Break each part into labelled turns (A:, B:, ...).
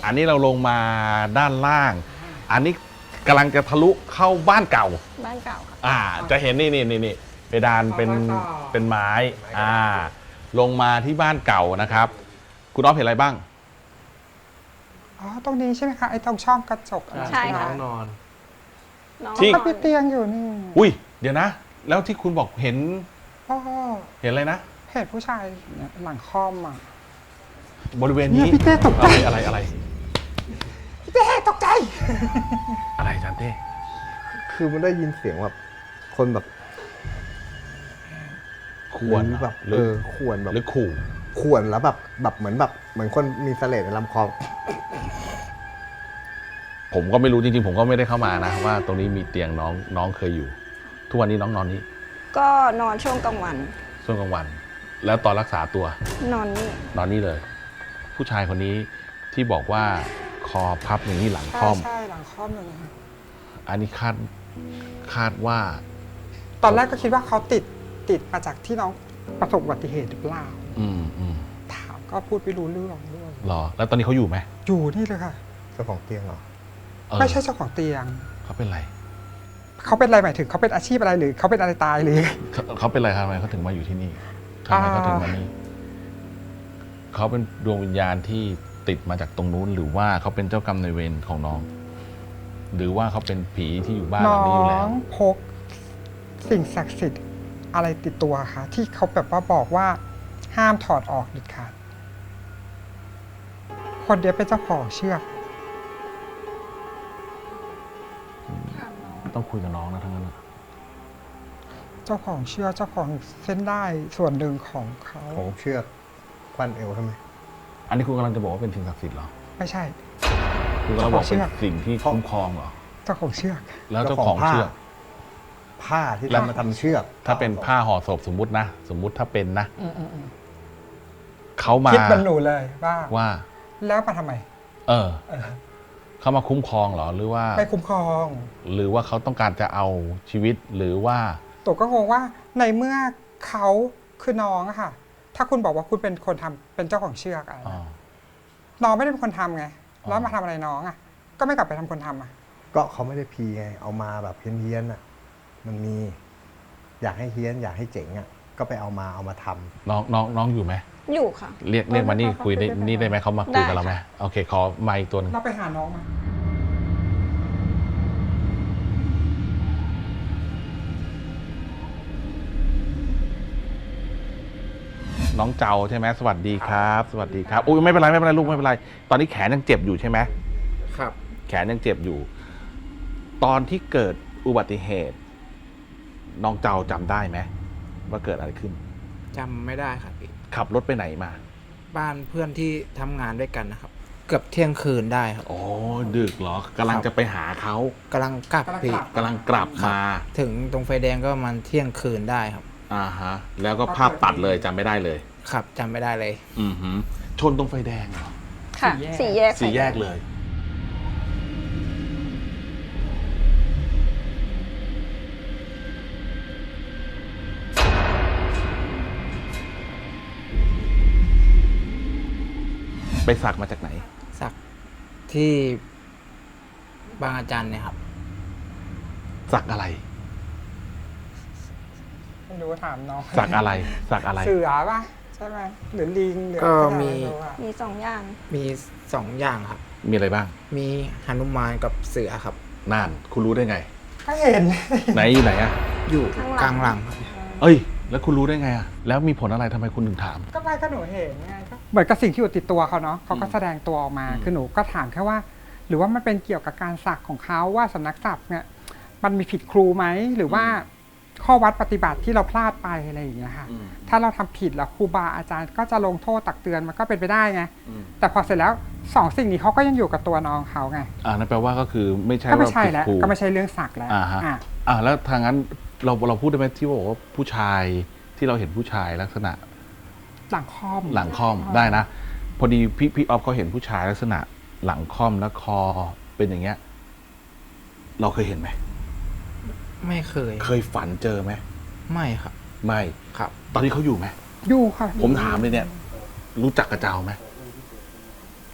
A: อันนี้เราลงมาด้านล่าง อันนี้กำลังจะทะลุเข้าบ้านเก่า
B: บ้านเก่าค่ะ
A: จะเห็นนี่เพดานเป็นไม้ลงมาที่บ้านเก่านะครับ คุณอ๊อฟเห็นอะไรบ้าง
C: อ๋อตรงนี้ใช่ไหมคะไอ้ตรงช่องกระจก
B: ใช่ค่ะ
D: นอน
A: ที่
C: ก็มีเตียงอยู่นี่
A: อุ้ยเดี๋ยวนะ แล้วที่คุณบอกเห็น
C: อ๋อ
A: เห็นอะไรนะ
C: เห็นผู้ชายหลังค่อม
A: บริเวณนี้
C: พี่เต้ตกใจ
A: อะไร
C: พี่เต้ตกใจ
A: อะไรจันเต้
D: คือมันได้ยินเสียงแบบคนแบบ
A: ควร
D: แบบควรแบบ
A: หรือขู่
D: ควรแล้วแบบเหมือนคนมีเสลดในลำคอ
A: ผมก็ไม่รู้จริงๆผมก็ไม่ได้เข้ามานะว่าตรงนี้มีเตียงน้องเคยอยู่ทุกวันนี้น้องนอนนี้
B: ก็นอนช่วงกลางวัน
A: ช่วงกลางวัน แล้วตอนรักษาตัวน
B: อน
A: นี่เลย ผู้ชายคนนี้ที่บอกว่าคอพับอย่างนี้หลังค่อม
C: ใช่หลังค่อมอย่างนี้
A: อันนี้คาดว่า
C: ตอนแรกก็คิดว่าเขาติดมาจากที่น้องประสบอุบัติเหตุหรือเปล่าถามก็พูดไม่รู้เรื่องด้วย
A: หรอแล้วตอนนี้เขาอยู่ไหม
C: อยู่นี่เลยค่ะ
D: เจ้าของเตียงเหรอ
C: ไม่ใช่เจ้าของเตียง
A: เขาเป็นอะไร
C: เขาเป็นอะไรหมายถึงเขาเป็นอาชีพอะไรหรือเขาเป็นอะไรตายหรือ
A: เขาเป็นอะไรทำไมเขาถึงมาอยู่ที่นี่ทำไมเขาถึงมานี่เขาเป็นดวงวิญญาณที่ติดมาจากตรงนู้นหรือว่าเขาเป็นเจ้ากรรมนายเวรของน้องหรือว่าเขาเป็นผีที่อยู่บ้านหลังนี้อยู่แล้ว
C: น้องพกสิ่งศักดิ์สิทธิ์อะไรติดตัวคะที่เขาแบบว่าบอกว่าห้ามถอดออกเด็ดขาดคนเดียวเป็นเจ้าของเชือก
A: ต้องคุยกับน้องนะทั้งนั้น
C: เจ้าของเชือกเจ้าของเส้นได้ส่วนหนึ่งของเขา
D: ของเชือกควันเอวทำไม
A: อันนี้คุณกำลังจะบอกว่าเป็นสิ่งศักดิ์สิทธิ์เหรอ
C: ไม่ใช่
A: คุณกำลังบอกเป็นสิ่งที่คุ้มครองเหรอ
C: เจ้าของเชือก
A: แล้วเจ้าของเชือก
D: ผ้าที่ทำมาทำเชือก
A: ถ้าเป็นผ้าห่อศพสมมุติถ้าเป็นนะเขามา
C: คิดเป็นหนูเลยว่าแล้วมาทำไม
A: เขามาคุ้มครองเหรอหรือว่า
C: ไม่คุ้มครอง
A: หรือว่าเขาต้องการจะเอาชีวิตหรือว่า
C: ตัวก็งงว่าในเมื่อเขาคือน้องอะค่ะถ้าคุณบอกว่าคุณเป็นคนทำเป็นเจ้าของเชือกอะไรน้องไม่ได้เป็นคนทำไงแล้วมาทำอะไรน้องอะก็ไม่กลับไปทำคนทำอะ
D: ก็เขาไม่ได้พีไงเอามาแบบเฮี้ยนๆอะมันมีอยากให้เฮี้ยนอยากให้เจ๋งอะก็ไปเอามาทำ
A: น้องอยู่ไหม
B: อยู่ค่ะ
A: เรียกมานี่คุยนี่ได้ไหมเขามาคุยกับเราไหมโอเคขอไมค์ตัวนึง
C: เราไปหาน้องมา
A: น้องเจ้าใช่ไหมสวัสดีครับสวัสดีครับอุ้ยไม่เป็นไรลูกไม่เป็นไรตอนนี้แขนยังเจ็บอยู่ใช่ไหม
D: ครับ
A: แขนยังเจ็บอยู่ตอนที่เกิดอุบัติเหตุน้องเจ้าจำได้ไหมว่าเกิดอะไรขึ้น
E: จำไม่ได้ครับพี่
A: ขับรถไปไหนมา
E: บ้านเพื่อนที่ทำงานด้วยกันนะครับเกือบเที่ยงคืนได้ครับ
A: โอ้ดึกเหรอกำลังจะไปหาเขา
E: กำลังกลับพี่
A: กำลังกลับมา
E: ถึงตรงไฟแดงก็ประมาณเที่ยงคืนได้ครับ
A: แล้วก็ภาพตัดเลยจำไม่ได้เลย
E: ครับจำไม่ได้เลย
A: ชนตรงไฟแดงเหรอ
B: ค่ะสี่แยก
A: เลยไปสักมาจากไหน
E: สักที่บางอาจารย์เนี่ยครับ
A: สักอะไร
C: ไม่รู้ถามน้อง
A: สักอะไร
C: เสือป่ะใช่ไหมหรือลิงหรือ
E: ก็
B: มีสองอย่าง
E: มีสองอย่างครับ
A: มีอะไรบ้าง
E: มีหนุมานกับเสือครับ
A: นั่นคุณรู้ได้ไง
C: ก็เห็น
A: ไหนอยู่ไหนอะ
E: อยู่กลางหลัง
A: เอ้ยแล้วคุณรู้ได้ไงอะแล้วมีผลอะไรทำไมคุณถึงถาม
C: ก็ไม่ก็หนูเห็นไงก็เหมือนกับสิ่งที่อยู่ติดตัวเขาเนาะเขาก็แสดงตัวออกมาคือหนูก็ถามแค่ว่าหรือว่ามันเป็นเกี่ยวกับการสักของเขาว่าสำนักสักเนี่ยมันมีผิดครูไหมหรือว่าข้อวัดปฏิบัติที่เราพลาดไปอะไรอย่างเงี้ยค่ะถ้าเราทำผิดแล้วครูบาอาจารย์ก็จะลงโทษตักเตือนมันก็เป็นไปได้ไงแต่พอเสร็จแล้วสองสิ่งนี้เขาก็ยังอยู่กับตัวน้องเขาไง
A: นั่นแปลว่าก็คือไม่ใช่
C: ก็ไม่ใช่แล้วก็ไม่ใช่เรื่องสักแล้ว
A: แล้วทางนั้นเราพูดได้ไหมที่บอกว่าผู้ชายที่เราเห็นผู้ชายลักษณะ
C: หลังค่
A: อมได้นะพอดีพี่ออฟเขาเห็นผู้ชายลักษณะหลังค่อมแล้วคอเป็นอย่างเงี้ยเราเคยเห็นไหม
E: ไม่เค
A: ยฝันเจอไหม
E: ไม่ครับ
A: ไม่
E: ครับ
A: ตอนนี้เขาอยู่ไหม
C: อยู่ค่ะ
A: ผมถามเลยเนี่ยรู้จักกระเจ้าไหมเข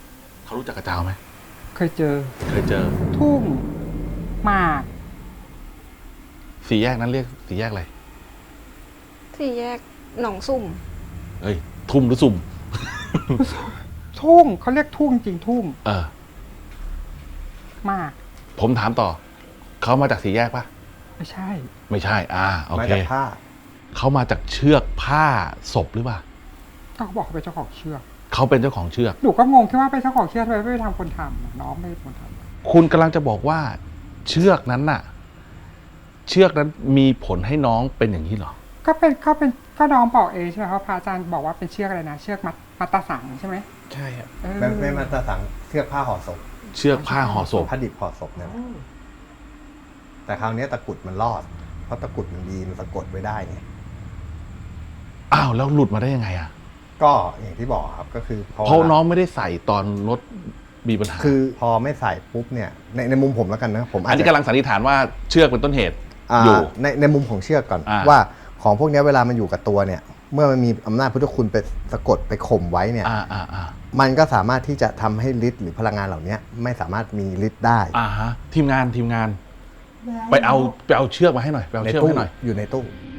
A: เขารู้จักกระเจ้าไหม
C: เคยเจอ
A: เคยเจอ
C: ทุ่งหมาก
A: สี่แยกนั้นเรียกสี่แยกอะไร
B: ที่แยกหนองซุ่ม
A: เอ้ย ทุ่มหรือสุ่ม
C: ทุ่งเขาเรียกทุ่งจริงทุ่ง
A: เออ
C: หมาก
A: ผมถามต่อ เขามาจากสี่แยกปะ
C: ไม่ใช่
A: ไม่ใช่ โอ
D: มา
A: เค
D: จากผ้า
A: เขามาจากเชือกผ้าศพหรือเปล่า
C: ก็เขาบอกเขาเป็นเจ้าของเชือก
A: เขาเป็นเจ้าของเชือก
C: หนูก็งงแค่ว่าเป็นเจ้าของเชือกทำไมไม่ไปทำคนทำอะน้องไม่เป็นคนทำ
A: คุณกำลังจะบอกว่า เชือกนั้นน่ะ เชือกนั้นมีผลให้น้องเป็นอย่างนี้เหรอ
C: ก็น้องบอกเองใช่ไหมครับพระอาจารย์บอกว่าเป็นเชือกอะไรนะเชือกมัตตสังใช่ไหม
E: ใช่ครับ
C: เออ
D: ไม่มาตรสังเชือกผ้าห่อศพ
A: เชือกผ้าห่อศพ
D: ผ้าดิบห่อศพนั่นแหละแต่คราวนี้ตะกรุดมันรอด เพราะตะกรุดมันดีมันสะกดไว้ได้ไง
A: อ้าวแล้วหลุดมาได้ยังไงอ่ะ
D: ก็อย่างที่บอกครับก็คือ
A: เพราะน้องไม่ได้ใส่ตอนรถมีปัญหา
D: คือพอไม่ใส่ปุ๊บเนี่ยในมุมผมแล้วกันนะผม
A: อันนี้กำลังสันนิษฐานว่าเชือกเป็นต้นเหตุ
D: อ
A: อยู่
D: ในมุมของเชือกก่อน
A: อ่า
D: ว่าของพวกนี้เวลามันอยู่กับตัวเนี่ย เมื่อมันมีอำนาจพุทธคุณไปสะกดไปข่มไว้เนี่ย มันก็สามารถที่จะทำให้ฤทธิ์หรือพลังงานเหล่านี้ไม่สามารถมีฤทธิ์ได้
A: ฮะทีมงาน ไปเอาเชือกมาให้หน่อยไปเอา
D: ใน
A: เชือก
D: ตู้
A: ให้หน่อย
D: อยู่ในตู้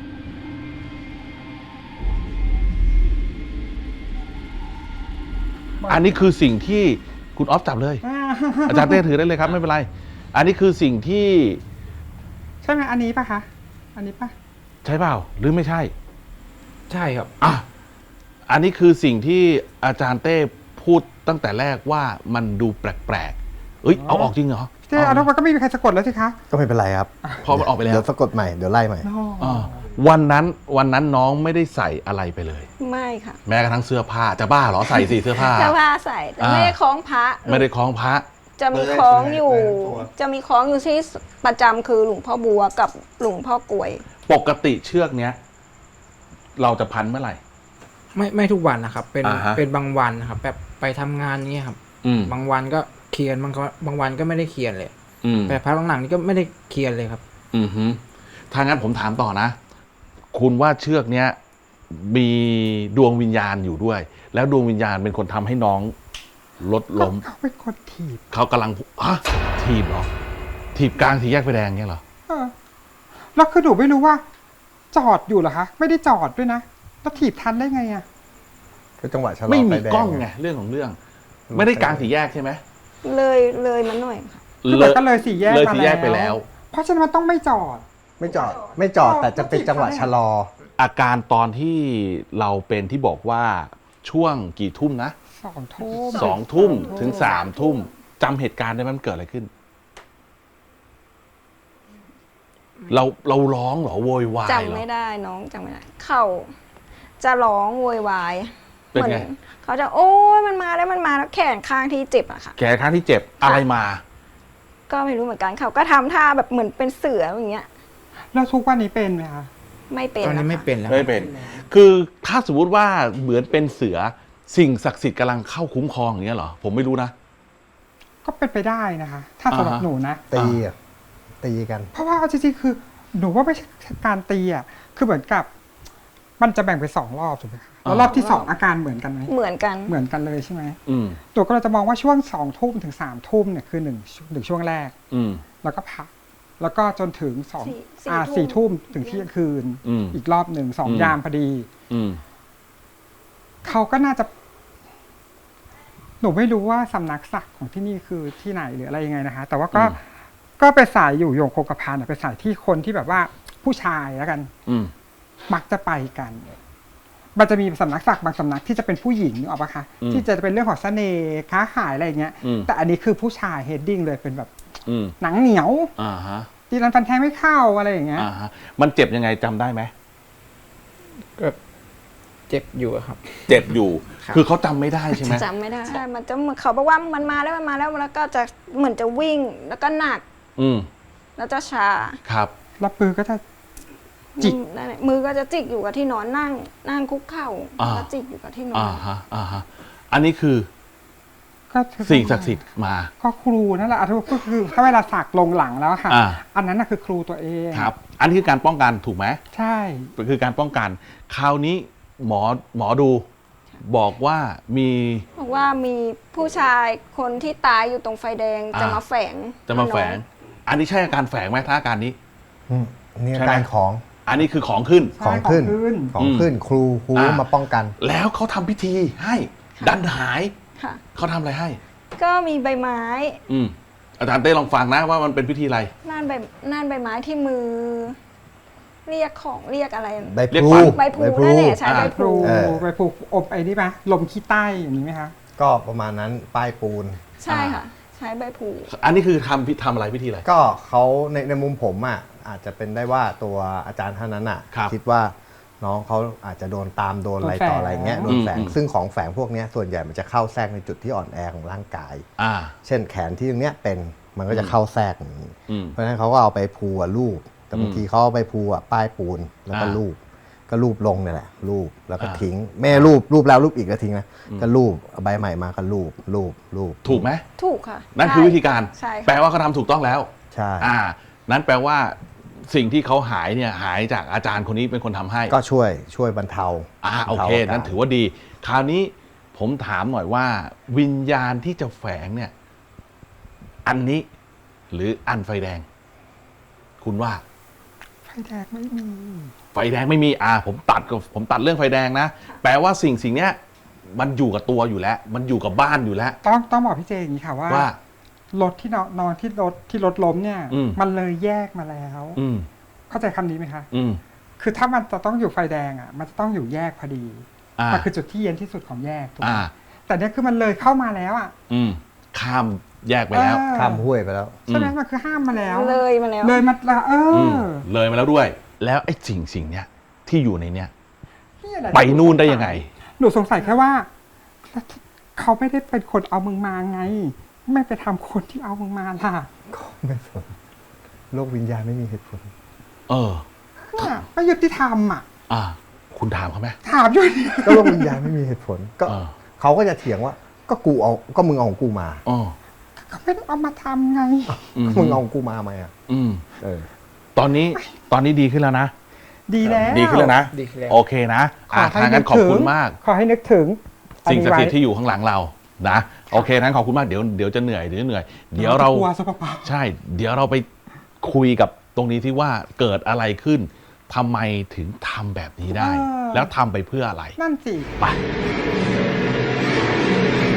A: อันนี้คือสิ่งที่คุณออฟจับเลย อาจารย์เต้ถือได้เลยครับไม่เป็นไร อันนี้คือสิ่งที่
C: ใช่ไหมอันนี้ปะคะอันนี้ปะ
A: ใช่เปล่าหรือไม่ใช่
E: ใช่ครับ
A: อันนี้คือสิ่งที่อาจารย์เต้พูดตั้งแต่แรกว่ามันดูแปลกๆเอ้ยเอาออกจริงเหรอ
C: เจ๊เอาแล้วมันก็ไม่มีใครสะกดแล้วสิคะ
D: ก็ไม่เป็นไรครับ
A: พอมันออกไปแล้ว
D: เดี๋ยวสะกดใหม่เดี๋ยวไล่ใหม่
A: วันนั้นน้องไม่ได้ใส่อะไรไปเลย
B: ไม่ค่ะ
A: แม้กระทั่งเสื้อผ้าจะบ้าเหรอใส่สิเสื้อผ้า
B: เสื้อผ้าใส่แต่ไม่ได้คล้องพระ
A: ไม่ได้คล้องพระ
B: จะมีคล้องอยู่
D: เบอร์อะไร
B: จะมีคล้องอยู่ที่ประจำคือหลวงพ่อบัวกับหลวงพ่อกลวย
A: ปกติเชือกเนี้ย เราจะพันเมื่อไหร่
E: ไม่ทุกวันนะครับ เป็น
A: อ่าฮะ
E: เป็นบางวันนะครับ แบบไปทำงานเงี้ยครับ บางวันก็เคียนบางวันก็ไม่ได้เคียนเลย แต่พักหลังๆนี่ก็ไม่ได้เคียนเลยครับ
A: ถ้างั้นผมถามต่อนะ คุณว่าเชือกเนี้ยมีดวงวิญญาณอยู่ด้วย แล้วดวงวิญญาณเป็นคนทำให้น้องรถล้ม
C: เขาเป็นคนถีบ
A: เขากำลังถีบเหรอ ถีบกลางสี่แยกไฟแดงเงี้ยเหรอ
C: แล้วคือหนูไม่รู้ว่า จอดอยู่เหรอคะไม่ได้จอดด้วยนะแล้วถีบทันได้ไงอะ
D: ก็จังหวะชะลอ
A: ไม่มี
D: ฟแด
A: กล้องไงเรื่องของเรื่อง ไม่ได้กลางสี่แยกใช่ไหม
B: เลยมันหน่อยค่ะ
C: คือแบบก็เลยสี่แยก
A: เลย
C: มา
A: สี่แยกไปแล้ว
C: เพราะฉะนั้นมันต้องไม่จอด
D: ไม่จอดแต่จะเป็นจังหวะชะลอ
A: อาการตอนที่เราเป็นที่บอกว่าช่วงกี่ทุ่มนะ
C: 2 ทุ่ม
A: 2 ทุ่มถึง 3 ทุ่มจำเหตุการณ์ได้ไหมมันเกิดอะไรขึ้น เราร้องเหรอโวยวายเหร
B: จำ
A: อ
B: ไม่ได้น้องจำไม่ได้ เขาจะร้องโวยวาย
A: เป็นไง
B: เขาจะโอ้ยมันมาแล้วแขนข้างที่เจ็บอะค่ะ
A: แขนข้างที่เจ็บอะไรมา
B: ก็ไม่รู้เหมือนกันเขาก็ทำท่าแบบเหมือนเป็นเสืออย่างเงี้ย
C: แล้วทุกวันนี้เป็นไหมคะ
B: ไม่เป็น
E: ตอนนี้ไม่
B: ะคะ
E: เป็นแล้ว
A: ไม่เป็น คือถ้าสมมติว่าเหมือนเป็นเสือสิ่งศักดิ์สิทธิ์กำลังเข้าคุ้มครองอย่างเงี้ยเหรอผมไม่รู้นะ
C: ก็เป็นไปได้นะคะ ถ้าสำหรับหนูนะ
D: ตีกัน
C: เพราะว่าเอาจริงๆคือ หนูว่าไม่ใช่การตีอ่ะคือเหมือนกับ มันจะแบ่งเป็น2 รอบถูกไหมคะแล้วรอบที่2อาการเหมือนกันไหม
B: เหมือนกัน
C: เหมือนกันเลยใช่ไหม
A: อืม
C: ตัวก็เราจะมองว่าช่วง2 ทุ่มถึง3 ทุ่มเนี่ยคือหนึ่งช่วงแรก
A: อืม
C: แล้วก็พักแล้วก็จนถึง
B: สี่ทุ่ม
C: 4 ทุ่มถึงเที่ยงคืน
A: อืม
C: อีกรอบหนึ่ง2 ยามพอดี
A: อืม
C: เขาก็น่าจะ หนูไม่รู้ว่าสำนักศักดิ์ของที่นี่คือที่ไหนหรืออะไรยังไงนะคะ แต่ว่าก็เป็นสายอยู่โยงโคกระพันเป็นสายที่คนที่แบบว่าผู้ชายแล้วกัน
A: อืม
C: มักจะไปกัน มันจะมีสำนักศักดิ์บางสำนักที่จะเป็นผู้หญิงนึกออกปะคะ ที่จะเป็นเรื่องของเสน่ห์ค้าขายอะไรอย่างเงี้ย แต่อันนี้คือผู้ชายเฮดดิ้งเลยเป็นแบบหนังเหนียว
A: ฮะ
C: ตีรันฟันแทงไม่เข้าอะไรอย่างเงี้ย
A: ฮะมันเจ็บยังไงจำได้ไหม
E: ก็เจ็บอยู่ครับ
A: เจ็บอยู่
E: ครับ
A: คือเขาจำไม่ได้ใช่ไหม
B: จำไม่ได้ มันจะเหมือนเขาบอกว่ามันมาแล้วแล้วก็จะเหมือนจะวิ่งแล้วก็หนัก
A: อืม
B: แล้วจะชา
A: ครับ
C: แล้วปือก็จะ จิก
B: นั่นแหละมือก็จะจิกอยู่กับที่นอนนั่งคุกเข่าแล้วจิกอยู่กับที่นอน
A: ฮะอันนี้คือ
C: ก็
A: สิ่งศักดิ์สิทธิ์มา
C: ก็ครูนั่นแหละก็คือถ้าเวลาสักลงหลังแล้วค่ะ อันนั้นน่ะคือครูตัวเอง
A: ครับ อันนี้คือการป้องกันถูกไหม
C: ใช่
A: คือการป้องกัน คราวนี้หมอดูบอกว่ามี
B: บอกว่ามีผู้ชายคนที่ตายอยู่ตรงไฟแดงจะมาแฝง
A: จะมาแฝง อันนี้ใช่อาการแฝงไหมถ้าอาการนี้
D: นี่
A: ใช่ไหม
D: การของ
A: อันนี้คือของขึ้น
C: ใช่
D: ของขึ้น
C: ของขึ้น
D: ครูมาป้องกัน
A: แล้วเขาทำพิธีให้ดันหาย
B: ค่ะ
A: เขาทำอะไรให้
B: ก็มีใบไม้
A: อาจารย์เต้ลองฟังนะว่ามันเป็นพิธีอะไร
B: น่านใบไม้ที่มือ เรียกของเรียกอะไร
D: ใบ
A: เรียก
D: พลู
A: ขวัญ
B: ใบพลูนั่นแหละใช้ใบพลู
C: ไปปลูกอบไอ้นี่ไหมลมขี้ใต้อย่างนี้ไหมคะ
D: ก็ประมาณนั้นป้ายปูน
B: ใช่ค่ะ ใช้ใบพลู
A: อันนี้คือทำอะไรพิธีอะไร
D: ก็เขาในมุมผมอ่ะอาจจะเป็นได้ว่าตัวอาจารย์ท่านนั้นอ่ะ
A: ครับ
D: คิดว่าน้องเขาอาจจะโดนตามโดนอะไรต่ออะไรเงี้ยโดนแฝง ซึ่งของแฝงพวกเนี้ยส่วนใหญ่มันจะเข้าแทรกในจุดที่อ่อนแอของร่างกาย
A: อ่า
D: เช่นแขนที่ตรงเนี้ยเป็นมันก็จะเข้าแทรกอย่างนี้
A: อืม
D: เพราะฉะนั้นเขาก็เอาไปพูลูบแต่บางทีเขาเอาไปพูป้ายปูนแล้วก็
A: อ่า
D: ลูบก็ลูบลงเนี่ยแหละลูบแล้วก็
A: อ่า
D: ทิ้งแม่ลูบแล้วลูบอีกก็ทิ้งนะก็ลูบเอาใบใหม่มาก็ลูบ
A: ถูกไหม
B: ถูกค่ะ
A: นั่นคือวิธีการ
B: ใช่ค่ะ
A: แปลว่าเขาทำถูกต้องแล้ว
D: ใช่
A: นั้นแปลว่าสิ่งที่เขาหายเนี่ยหายจากอาจารย์คนนี้เป็นคนทำให้
D: ก็ช่วยบรรเทา
A: โอเค
D: บรรทา
A: นั้นถือว่าดี คราวนี้ผมถามหน่อยว่า วิญญาณที่จะแฝงเนี่ย อันนี้ หรืออันไฟแดง คุณว่า
C: ไฟแดงไม่มี
A: ไฟแดงไม่มีผมตัดเรื่องไฟแดงนะ แปลว่าสิ่งเนี้ยมันอยู่กับตัวอยู่แล้ว มันอยู่กับบ้านอยู่แล้ว
C: ต้องบอกพี่เจอย่างนี้ค่ะว่า
A: ว่า
C: รถที่นอนที่รถล้มเนี่ย มันเลยแยกมาแล้ว
A: อืม
C: เข้าใจคำนี้ไหมคะ
A: อืม
C: คือถ้ามันจะต้องอยู่ไฟแดงอ่ะ มันจะต้องอยู่แยกพอดี
A: อ่า
C: มันคือจุดที่เย็นที่สุดของแยกถูกไหม
A: อ่า
C: แต่เนี่ยคือมันเลยเข้ามาแล้วอ่ะ
A: ข้ามแยกไปแล้ว
D: ข้ามห้วยไปแล้ว
C: ใช่ไหมมันคือห้ามมาแล้ว
B: เลยมาแล้ว
C: เลยมาแล้ว
A: เลยมาแล้วด้วย แล้วไอ้สิ่งเนี้ยที่อยู่ในเนี้ย
C: นี่แหละ
A: ไปนู่นได้ยังไง
C: หนูสงสัยแค่ว่าเขาไม่ได้เป็นคนเอามึงมาไง ไม่ไปทำคนที่เอามึงมาล่ะ
D: ไม่สนโลกวิญญาณไม่มีเหตุผล
C: เนี่ยไม่ยุติธรรมอ่ะ
A: คุณถามเขาไหม
C: ถามอยู่เนี่ย
D: ก็โลกวิญญาณไม่มีเหตุผลก็ เขาก็จะเถียงว่าก็มึงเอาของกูมา
C: เขาไม่ได้เอามาทำไง
D: ก็มึงเอาของกูมาไหมอ่ะ
A: ตอนนี้ดีขึ้นแล้วนะ
C: ดีแล้ว
A: ดีขึ้นแล้วนะ
E: ดีขึ้นแล้ว
A: โอเคนะทางนั้นขอบคุณมาก
C: ขอให้นึกถึง
A: สิ่งศักดิ์สิทธิ์ที่อยู่ข้างหลังเรานะโอเคนั้นขอบคุณมากเดี๋ยวจะเหนื่อยเดี๋ยวเรา
C: กลัวซะเปล่า
A: ใช่ เดี๋ยวเราไปคุยกับตรงนี้ที่ว่าเกิดอะไรขึ้นทำไมถึงทำแบบนี้ได้ แล้วทำไปเพื่ออะไร
C: นั่นสิ
A: ไป